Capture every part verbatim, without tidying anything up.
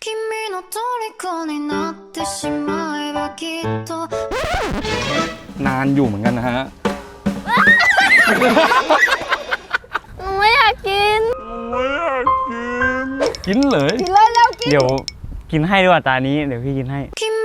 นานอยู่เหมือนกันนะฮะหนูไม่อยากกินไม่อยากกินกินเลยกินเลยแล้วกินเดี๋ยวกินให้ด้วยตานี้เดี๋ยวพี่กินให้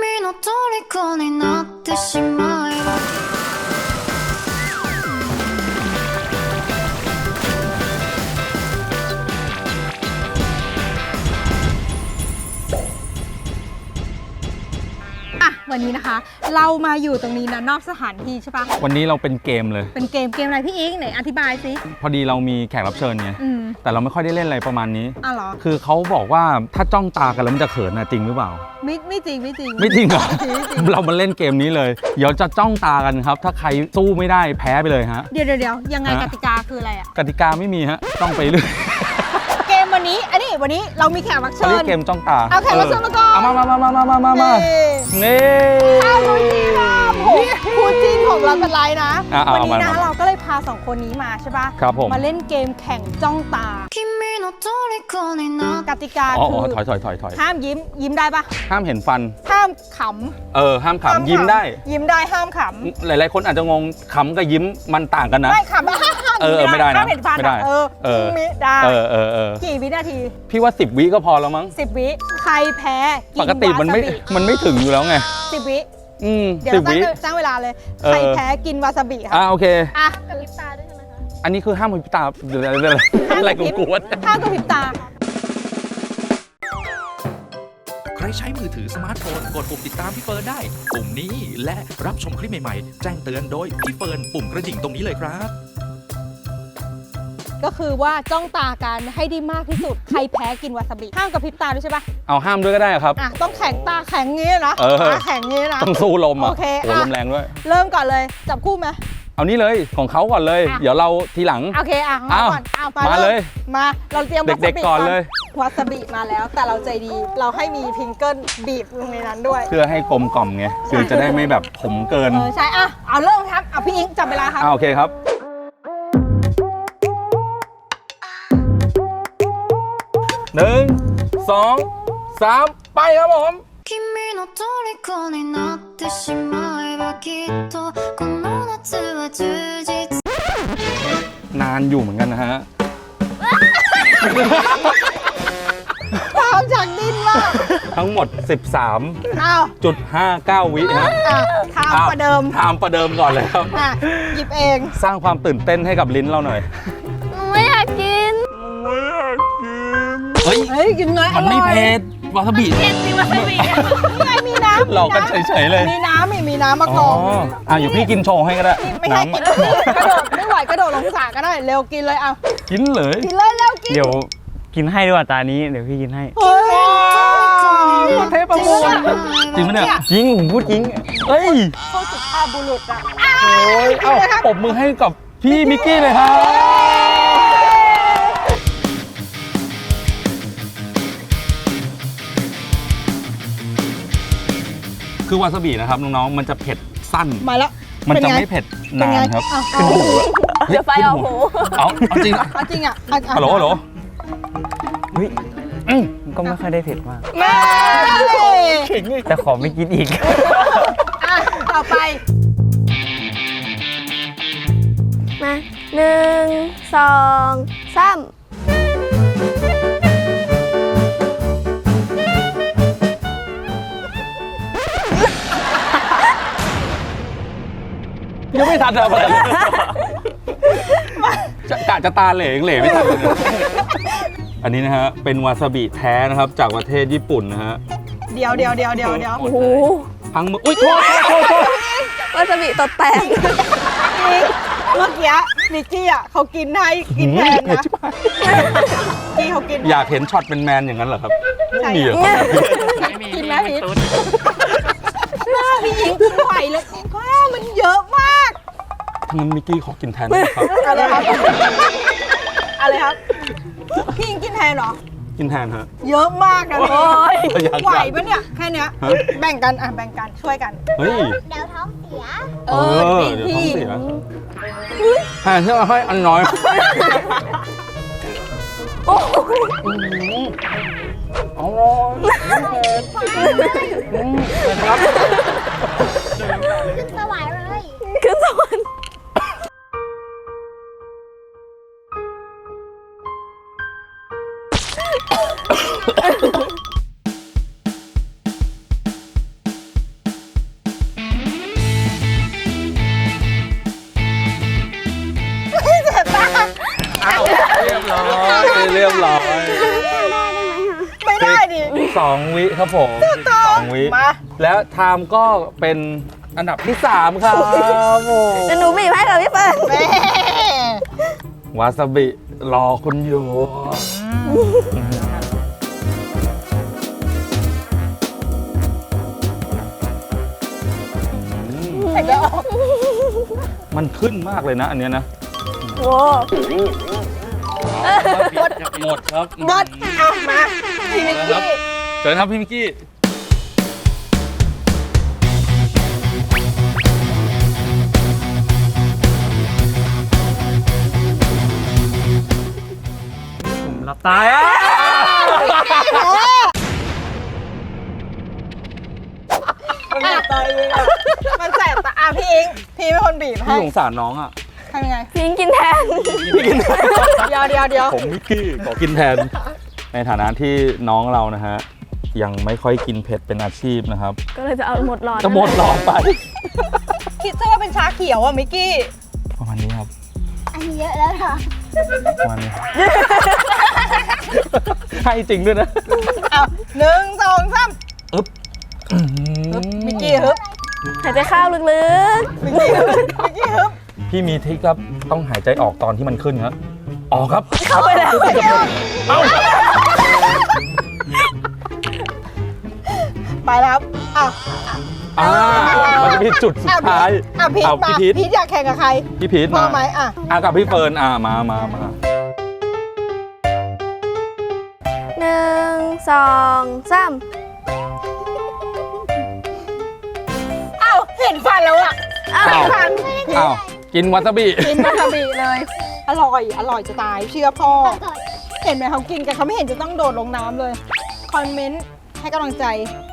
วันนี้นะคะเรามาอยู่ตรงนี้นะนอกสถานที่ใช่ปะวันนี้เราเป็นเกมเลยเป็นเกมเกมอะไรพี่อิงไหนอธิบายสิพอดีเรามีแขกรับเชิญไงแต่เราไม่ค่อยได้เล่นอะไรประมาณนี้อ้าวเหรอคือเขาบอกว่าถ้าจ้องตากันแล้วมันจะเขินนะจริงหรือเปล่าไม่ไม่จริงไม่จริงไม่จริงเหรอเรามาเล่นเกมนี้เลยเดี๋ยวจะจ้องตากันครับถ้าใครสู้ไม่ได้แพ้ไปเลยฮะเดี๋ยวเดี๋ยวยังไงกติกาคืออะไรอ่ะกติกาไม่มีฮะต้องไปเรื่อยเกมวันนี้อันนี้วันนี้เรามีแขกรับเชิญเกมจ้องตาเอาแขกรับเชิญมาก่อนมามามามามามามามานี่ข้าวดูจีนคู่จิ้นของเราเป็นไรนะวันนี้นะเราก็เลยพาสองคนนี้มาใช่ปะครับผมมาเล่นเกมแข่งจ้องตากติกาคือถอยถอยถอยถอยห้ามยิ้มยิ้มได้ปะห้ามเห็นฟันห้ามขำเออห้ามขำยิ้มได้ยิ้มได้ห้ามขำหลายๆคนอาจจะงงขำกับยิ้มมันต่างกันนะไม่ขำเออไม่ได้นะห้ามเห็นฟันไม่ได้เออเออไม่ได้เออเออเออกี่วินาทีพี่ว่าสิบวิก็พอแล้วมั้งสิบวิใครแพ้ปกติมันไม่มันไม่ถึงอยู่แล้วไงสิบวิอืมเดี๋ยวตั้งตั้งเวลาเลยใครแพ้กินวาซาบิครับอ่าโอเคอ่ะกระพริบตาด้วยใช่ไหมคะอันนี้คือห้ามกระพริบตาอะไรกูกลัวห้ามกระพริบตาใครใช้มือถือสมาร์ทโฟนกดปุ่มติดตามพี่เฟิร์นได้ปุ่มนี้และรับชมคลิปใหม่ๆแจ้งเตือนโดยพี่เฟิร์นปุ่มกระดิ่งตรงนี้เลยครับก็คือว่าจ้องตากันให้ได้มากที่สุดใครแพ้กินวาซาบิห้ามกระพริบตาด้วยใช่ปะเอาห้ามด้วยก็ได้ครับอ่ะต้องแข็งตาแข็งงี้นะตาแข็งงี้นะต้องสู้ลมอ่ะโอเคลมแรงด้วยเริ่มก่อนเลยจับคู่ไหมเอานี่เลยของเขาก่อนเลยเดี๋ยวเราทีหลังโอเคอ่ะมาก่อนเอามาเลยมาเราเตรียมวาซาบิเด็กๆก่อนเลยวาซาบิมาแล้วแต่เราใจดีเราให้มีพิงเกิลบีบลงในนั้นด้วยเพื่อให้กลมกล่อมไงคือจะได้ไม่แบบขมเกินเออใช่อ่ะเอาเริ่มครับเอาพี่อิงจับเวลาครับโอเคครับหนึ่งสองสามไปครับผมนานอยู่เหมือนกันนะฮะตามจากดินว่าทั้งหมด สิบสามจุดห้าเก้า วิฮะทามประเดิมทามประเดิมก่อนเลยครับหยิบเองสร้างความตื่นเต้นให้กับลิ้นเราหน่อยหนูไม่อยากกินไม่อยากกินเฮ้ยเฮ้ยกินไงมันไม่เผ็ดวาซาบิเผ็ดจริงวาซาบินี่ไงมีน้ำหลอกกันเฉยๆเลยมีน้ำมีมีน้ำมากองอ่ะอยู่พี่กินโชว์ให้ก็ได้ไม่ให้กินกระโดดไม่ไหวกระโดดลงสระก็ได้เร็วกินเลยเอากินเลยกินเลยแล้วกินเดี๋ยวกินให้ด้วยตานี้เดี๋ยวพี่กินให้เฮ้ยเทปประมูลจริงไหมเนี่ยจริงผมพูดจริงเฮ้ยโคตรสุภาพบุรุษอ่ะโอ้ยเอ้าปรบมือให้กับพี่มิกกี้เลยครับคือวาซาบินะครับน้องๆมันจะเผ็ดสั้นมาแล้วมันจะไม่เผ็ดนานครับขึ้นหูเดี๋ยวไฟเอาหูเอาจริงเอาจริงอ่ะฮัลโหลฮัลโหลเฮ้ยก็ไม่ค่อยได้เผ็ดมากแต่ขอไม่กินอีกต่อไปมาหนึ่งสองสามยังไม่ทันอะไรกะจะตาเหลงเหลไม่ทันเลยอันนี้นะฮะเป็นวาซาบิแท้นะครับจากประเทศญี่ปุ่นนะฮะเดี๋ยวเดี๋ยวเดี๋ยวเดี๋ยวเดี๋ยวโอ้โหพังมืออุ้ยโทษโทษโทษวาซาบิตดแตกเมื่อกี้นิกกี้อ่ะเขากินให้กินแทนนะกี้เขากินอยากเห็นช็อตเป็นแมนอย่างนั้นเหรอครับไม่มีเหรอกินไหมพีทหน้าพี่หญิงกินไหวเลยว้าวมันเยอะมากงั้นมิกกี้ขอกินแทนนะครับอะไรครับอะไรครับพี่หญิงกินแทนเหรอกินแทนฮะเยอะมากนะโอ้ยไหวปะเนี่ยแค่เนี้ยแบ่งกันอ่ะแบ่งกันช่วยกันเฮ้ยเดี๋ยวท้องเสียเออเดี๋ยวท้องเสียหาเชื่อให้อันน้อยอร่อยครับขึ้นสวรรค์เลย ขึ้นสวรรค์เรียบร้อยเรียบร้อยไม่ได้ดิสองวิครับผมสองวิมาแล้วไทม์ก็เป็นอันดับที่สามครับโอ้เดี๋ยวหนูบีบให้กับพี่เฟิร์นแม่วาซาบิรอคุณอยู่แต่ก็ออกมันขึ้นมากเลยนะอันเนี้ยนะโว้หมดครับหมดเอามาพี่มิกครักี้บเชิญครับพี่มิกกี้หลับตายอ่ะมันแสบตาเองอะมันแสบตาอ่ะพี่อิงพี่เป็นคนบีบให้พี่สงสารน้องอ่ะทำยังไงพิงกินแทนพี่กินแทนเดี๋ยวเดี๋ยวเดี๋ยวผมมิกกี้ขอกินแทน ในฐานะที่น้องเรานะฮะ ยังไม่ค่อยกินเผ็ดเป็นอาชีพนะครับก็เลยจะเอาหมดหลอดจะหมดหลอดไปคิดซะว่าเป็นชาเขียวอ่ะมิกกี้ประมาณนี้ครับอันนี้เยอะแล้วค่ะประมาณนี้ ให้จริงด้วยนะเอาหนึ่งสองสามอึ๊บฮึบมิกกี้ฮึบหายใจเข้าลึกมิกกี้ฮึบมิกกี้ฮึบพี่มีทริคครับ ต้องหายใจออกตอนที่มันขึ้นครับ ออกครับๆ เข้าไปแล้วเอ้าไปแล้วครับอ่ะอ่ามันจะมีจุดสุดท้ายอ่ะพีทเอามาพี่พีทพีทอยากแข่งกับใครพี่พีทพอมาไหมอ่ะอ่ะกับพี่เฟิร์นอ่ะมามามาหนึ่งสองสามอ้าวเห็นฟันแล้วอ่ะอ้าวอ้าวฟันอ้าวกินวาซาบิกินวาซาบิเลย อร่อย อร่อยจะตาย เชื่อพ่อ เห็นไหมเขากินกันเขาไม่เห็นจะต้องโดดลงน้ำเลย คอมเมนต์ให้กำลังใจ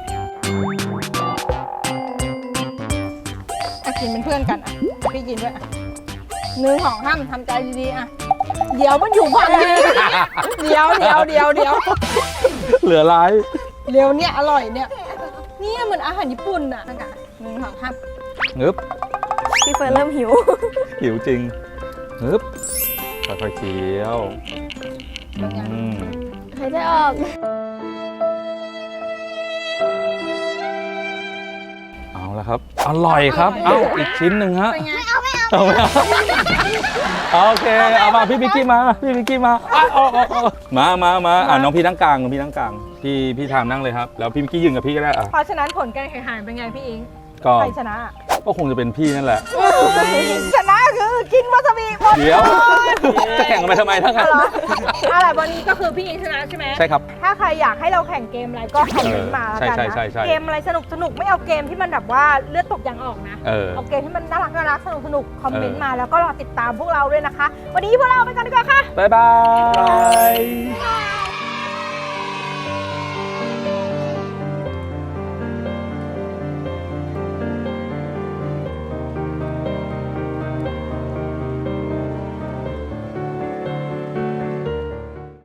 อ่ะกินเป็นเพื่อนกันอ่ะ พี่กินด้วยอ่ะหนึ่งของห้ามทำใจดีๆอ่ะ เดี๋ยวมันอยู่ฝั่งนี้ เดี๋ยวเดี๋ยวเดี๋ยวเดี๋ยวเหลือร้ายเดี๋ยวเนี่ยอร่อยเนี่ย เนี่ยเหมือนอาหารญี่ปุ่นอ่ะนั่นอะหนึ่งของห้ามงึบพี่เฟิร์นเริ่มหิวหิวจริงงึบค่อยๆเคี้ยวอืมหายใจออกเอาละครับ อร่อยครับ เอ้าอีกชิ้นหนึ่งฮะเป็นไงเอาไม่เอาโอเค เอามาพี่มิกกี้มา พี่มิกกี้มาอ่ะเอาเอาเอามามามาอ่ะน้องพี่นั่งกลางน้องพี่นั่งกลาง พี่พี่ทามนั่งเลยครับ แล้วพี่มิกกี้ยืนกับพี่ก็ได้อ่ะเพราะฉะนั้นผลการแข่งขันเป็นไงพี่อิงก็ใครชนะก็คงจะเป็นพี่นั่นแหละชนะคือกินวาซาบิหมดเดี๋ยว จะแข่งกันไปทำไมทั้งนั้นเหรออะไรวันนี้ก็คือพี่อิงชนะใช่ไหมใช่ครับถ้าใครอยากให้เราแข่งเกมอะไรก็คอมเมนต์มาแล้วกันใช่นะใช่ใช่ใช่เกมอะไรสนุกสนุกไม่เอาเกมที่มันแบบว่าเลือดตกยางออกนะเออเอาเกมที่มันน่ารักน่ารักสนุกสนุกคอมเมนต์เออมาแล้วก็รอติดตามพวกเราด้วยนะคะ วันนี้พวกเราไปกันดีกว่าค่ะบ๊ายบาย